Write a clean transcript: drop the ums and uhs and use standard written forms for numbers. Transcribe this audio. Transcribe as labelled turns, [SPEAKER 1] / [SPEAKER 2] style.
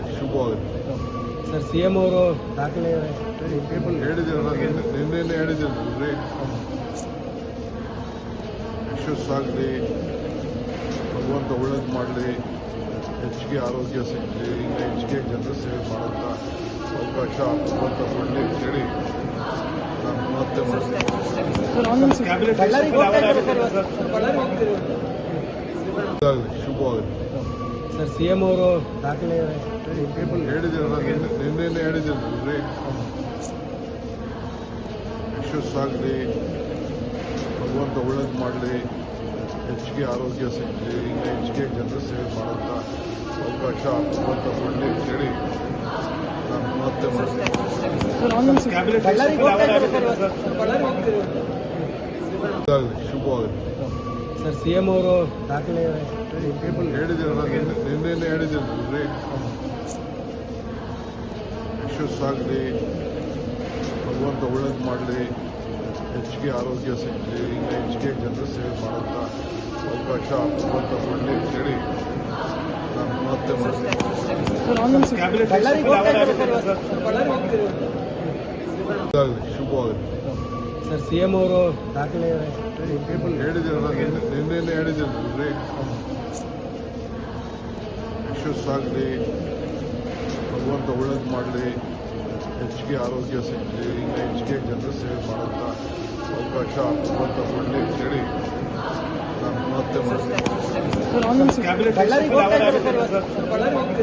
[SPEAKER 1] ಶುಭವಾಗುತ್ತೆ.
[SPEAKER 2] Sir CM ಅವರು ದಾಖಲೆ
[SPEAKER 1] ಹೇಳಿದ್ದೀರಲ್ಲ, ನಿನ್ನೆ ಹೇಳಿದ್ದೀರಲ್ರಿ, ಯಶಸ್ಸಾಗಲಿ, ಭಗವಂತ ಒಳ್ಳೇದು ಮಾಡಲಿ, ಹೆಚ್ಚಿಗೆ ಆರೋಗ್ಯ ಸಿಗಲಿ, ಇನ್ನು ಹೆಚ್ಚಿಗೆ ಜನರ ಸೇವೆ ಮಾಡೋಂಥ ಅವಕಾಶ ಭಗವಂತ ಕೊಡಲಿ ಅಂತೇಳಿ ನಾನು ಮತ್ತೆ ಮಾಡ್ತೀನಿ. ಶುಭವಾಗುತ್ತೆ.
[SPEAKER 2] ಸರ್ ಸಿಎಂ ಅವರು ದಾಖಲೆ
[SPEAKER 1] ಹೇಳಿದ್ದೀರಲ್ಲ, ನಿನ್ನೆ ಹೇಳಿದ್ದೀರಲ್ರಿ, ಯಶಸ್ಸಾಗಲಿ, ಭಗವಂತ ಒಳ್ಳೇದು ಮಾಡಲಿ, ಹೆಚ್ಚಿಗೆ ಆರೋಗ್ಯ ಸಿಗಲಿ, ಇನ್ನು ಹೆಚ್ಚಿಗೆ ಜನರ ಸೇವೆ ಮಾಡೋಂಥ ಅವಕಾಶ ಭಗವಂತ ಕೊಡಲಿ ಅಂತೇಳಿ ನಾನು ಮತ್ತೆ ಮಾಡ್ತೀನಿ. ಶುಭವಾಗುತ್ತೆ.
[SPEAKER 2] ಸರ್ ಸಿಎಂ ಅವರು ದಾಖಲೆ
[SPEAKER 1] ಹೇಳಿದ್ದೀರಲ್ಲ, ನಿನ್ನೆ ಹೇಳಿದ್ದೀರಲ್ರಿ, ಯಶಸ್ಸಾಗಲಿ, ಭಗವಂತ ಒಳ್ಳೇದು ಮಾಡಲಿ, ಹೆಚ್ಚಿಗೆ ಆರೋಗ್ಯ ಸಿಗಲಿ, ಇನ್ನು ಹೆಚ್ಚಿಗೆ ಜನರ ಸೇವೆ ಮಾಡೋಂಥ ಅವಕಾಶ ಭಗವಂತ ಕೊಡಲಿ ಅಂತೇಳಿ ನಾನು ಮತ್ತೆ ಮಾಡ್ತೀನಿ. ಶುಭವಾಗುತ್ತೆ.
[SPEAKER 2] ಸರ್ ಸಿಎಂ ಅವರು ದಾಖಲೆ
[SPEAKER 1] ಹೇಳಿದ್ದೀರಲ್ಲ, ನಿನ್ನೆ ಹೇಳಿದ್ದೀರಲ್ರಿ, ಯಶಸ್ಸಾಗಲಿ, ಭಗವಂತ ಒಳ್ಳೇದು ಮಾಡಲಿ, ಹೆಚ್ಚಿಗೆ ಆರೋಗ್ಯ ಸಿಗಲಿ, ಇನ್ನು ಹೆಚ್ಚಿಗೆ ಜನರ ಸೇವೆ ಮಾಡೋಂಥ ಅವಕಾಶ ಭಗವಂತ ಕೊಡಲಿ ಅಂತೇಳಿ ನಾನು ಮತ್ತೆ ಮಾಡ್ತೀನಿ.